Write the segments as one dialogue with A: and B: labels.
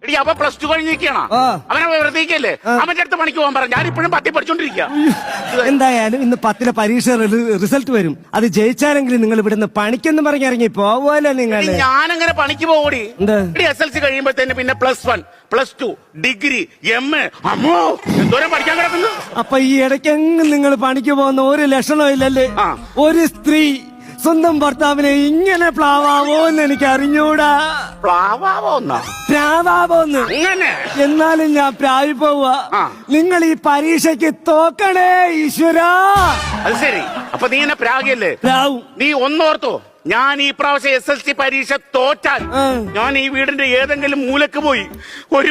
A: അപ്പൊ +2 കഴിഞ്ഞിരിക്കണ അവനെ വെറുതെക്കല്ലേ അവന്റെ അടുത്ത് പണിക്ക് പോകാൻ പറഞ്ഞു. ഞാൻ ഇപ്പോഴും 10 പഠിച്ചോണ്ടിരിക്കുക.
B: എന്തായാലും ഇന്ന് 10 പരീക്ഷ റിസൾട്ട് വരും. അത് ജയിച്ചാലെങ്കിലും നിങ്ങൾ ഇവിടുന്ന് പണിക്കെന്ന് പറഞ്ഞ് ഇറങ്ങി പോവല്ലോ നിങ്ങൾ.
A: ഞാനങ്ങനെ പണിക്ക് പോകൂടി. SLC കഴിയുമ്പോഴത്തേന് പിന്നെ +1 +2 ഡിഗ്രി MA അമ്മോ എന്തോരം പഠിക്കാൻ കിടക്കുന്നു.
B: അപ്പൊ ഈ ഇടയ്ക്കെങ്കിലും നിങ്ങൾ പണിക്ക് പോകുന്ന ഒരു ലക്ഷണവും ഇല്ലല്ലേ? ഒരു സ്ത്രീ സ്വന്തം ഭർത്താവിനെ ഇങ്ങനെ പ്ലാവാവോന്ന് എനിക്ക് അറിഞ്ഞൂടാ. പ്രാവാവോന്ന്
A: അങ്ങനെ
B: എന്നാലും ഞാൻ പ്രാവി പോവാ. നിങ്ങൾ ഈ പരീക്ഷയ്ക്ക് തോക്കണേ ഈശ്വരാ.
A: അത് ശരി. അപ്പൊ നീ എന്നെ പ്രാഗിയല്ലേ?
B: പ്രാവും.
A: നീ ഒന്നോർത്തോ, ഞാൻ ഈ പ്രാവശ്യം SLC പരീക്ഷ തോറ്റാൽ ഞാൻ ഈ വീടിന്റെ ഏതെങ്കിലും മൂലക്ക് പോയി ഒരു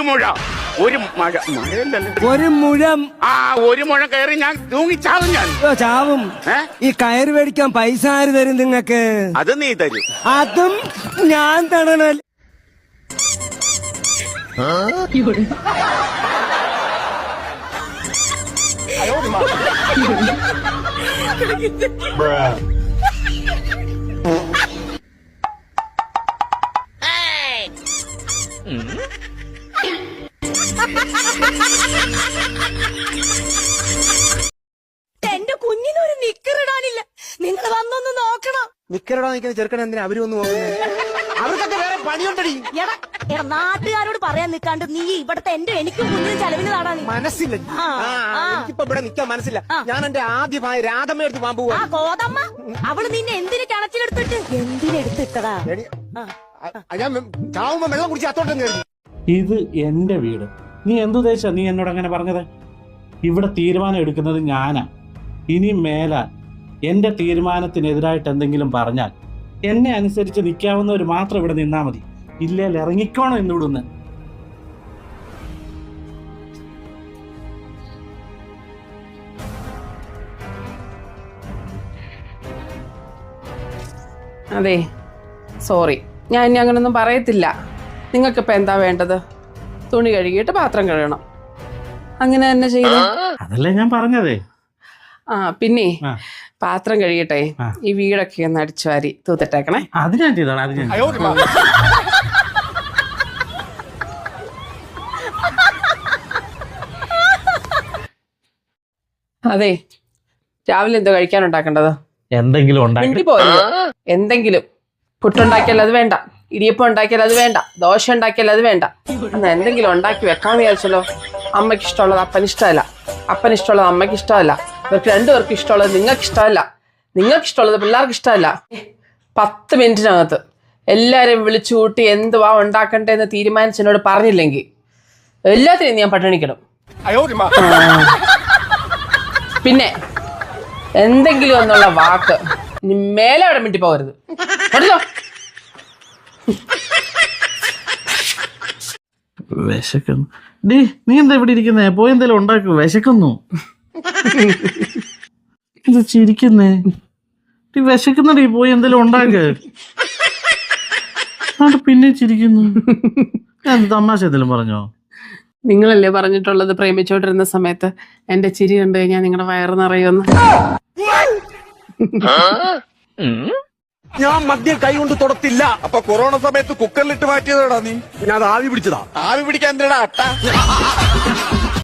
A: മുഴം കയറി ഞാൻ തൂങ്ങിച്ചാവും. ഞാൻ
B: ചാവും. ഈ കയറ് മേടിക്കാൻ പൈസ ആര് തരും നിങ്ങക്ക്?
A: അത് നീ തരും.
B: അതും ഞാൻ തരണൽ.
C: എന്റെ കുഞ്ഞിനൊരു നിക്കറിടാനില്ല. നിങ്ങൾ വന്നൊന്ന് നോക്കണം.
B: നിക്കറിടാൻ നിൽക്കുന്ന ചെറുക്കൻ എന്തിനാ അവര് വന്ന് നോക്കുന്നത്? അവർക്കൊക്കെ വേറെ പണിയുണ്ടടി.
C: നാട്ടുകാരോട് പറയാൻ നിൽക്കാണ്ട് നീ ഇവിടത്തെ എനിക്കും കുഞ്ഞിനും ചെലവിന് നാടാ.
B: മനസ്സില്ല. എനിക്കിപ്പോ ഇവിടെ നിൽക്കാൻ മനസ്സില്ല. ഞാൻ എന്റെ ആദ്യ ഭാര്യ രാധമ്മ എടുത്ത് പോകാൻ പോവാ.
C: ഗോതമ്മ അവള് നിന്നെ എന്തിനു കിണച്ചിലെടുത്തിട്ട് എന്തിനെടുത്തിട്ടടാ?
B: ഞാൻ ചാവുമ്പോ വെള്ളം കുടിച്ച് അത്തോട്ടം കയറി.
D: ഇത് എന്റെ വീട്. നീ എന്തുദ്ദേശാ നീ എന്നോട് അങ്ങനെ പറഞ്ഞത്? ഇവിടെ തീരുമാനം എടുക്കുന്നത് ഞാനാ. ഇനി മേലാൽ എന്റെ തീരുമാനത്തിനെതിരായിട്ട് എന്തെങ്കിലും പറഞ്ഞാൽ എന്നെ അനുസരിച്ച് നിൽക്കാവുന്നവർ മാത്രം ഇവിടെ നിന്നാ മതി. ഇല്ലേൽ ഇറങ്ങിക്കോണം എന്നിവിടുന്ന്.
E: അതെ, സോറി, ഞാൻ ഇനി അങ്ങനൊന്നും പറയത്തില്ല. നിങ്ങൾക്കിപ്പോൾ എന്താ വേണ്ടത്? തുണി കഴുകിയിട്ട് പാത്രം കഴുകണം. അങ്ങനെ തന്നെ ചെയ്തേ.
D: അതല്ലേ ഞാൻ പറഞ്ഞതേ.
E: പിന്നെ പാത്രം കഴുകിട്ടെ ഈ വീടൊക്കെ ഒന്ന് അടിച്ചു വാരി തൂത്തിട്ടേക്കണേ.
D: അത് ഞാൻ ചെയ്തോളാം. അത് ഞാൻ
E: അതെ, രാവിലെ എന്തോ കഴിക്കാനുണ്ടാക്കേണ്ടത്?
D: എന്തെങ്കിലും ഉണ്ടാക്കി
E: എന്തെങ്കിലും. പുട്ടുണ്ടാക്കിയാൽ അത് വേണ്ട, ഇടിയപ്പം ഉണ്ടാക്കിയാൽ അത് വേണ്ട, ദോശ ഉണ്ടാക്കിയാൽ അത് വേണ്ട. എന്നാ എന്തെങ്കിലും ഉണ്ടാക്കി വെക്കാന്ന് വിചാരിച്ചല്ലോ. അമ്മയ്ക്ക് ഇഷ്ടമുള്ളത് അപ്പന് ഇഷ്ടമല്ല, അപ്പന് ഇഷ്ടമുള്ളത് അമ്മയ്ക്ക് ഇഷ്ടമല്ല, ഇവർക്ക് രണ്ടുപേർക്കും ഇഷ്ടമുള്ളത് നിങ്ങൾക്ക് ഇഷ്ടമല്ല, നിങ്ങൾക്ക് ഇഷ്ടമുള്ളത് പിള്ളേർക്ക് ഇഷ്ടമല്ല. 10 മിനിറ്റിനകത്ത് എല്ലാവരെയും വിളിച്ചു കൂട്ടി എന്തുവാ ഉണ്ടാക്കണ്ടേന്ന് തീരുമാനിച്ച് എന്നോട് പറഞ്ഞില്ലെങ്കിൽ എല്ലാത്തിനും ഞാൻ പട്ടിണിക്കണം. പിന്നെ എന്തെങ്കിലും എന്നുള്ള വാക്ക് ഇനി മേലെ അവിടെ മിണ്ടി പോകരുത്. കേട്ടോ?
D: വിശക്കുന്നു. ഡീ, നീ എന്താ ഇവിടെ ഇരിക്കുന്നേ? പോയി എന്തെങ്കിലും ഉണ്ടാക്കൂ, വിശക്കുന്നു. ഇത് ചിരിക്കുന്നേ? ഡീ വിശക്കുന്നടീ, പോയി എന്തെങ്കിലും ഉണ്ടാക്ക്. പിന്നെ ചിരിക്കുന്നു. ഞാൻ തമാശ എന്തെങ്കിലും പറഞ്ഞോ?
E: നിങ്ങളല്ലേ പറഞ്ഞിട്ടുള്ളത് പ്രേമിച്ചോണ്ടിരുന്ന സമയത്ത് എന്റെ ചിരി കണ്ടു കഴിഞ്ഞാൽ നിങ്ങളുടെ വയറ് നിറയുമെന്ന്.
F: ഞാൻ മദ്യം കൈ കൊണ്ട് തൊടത്തില്ല. അപ്പൊ കൊറോണ സമയത്ത് കുക്കറിലിട്ട് മാറ്റിയതാടാ നീ. പിന്നെ അത് ആവി പിടിച്ചതാ. ആവി പിടിക്കാൻ എന്തിനാ അട്ട?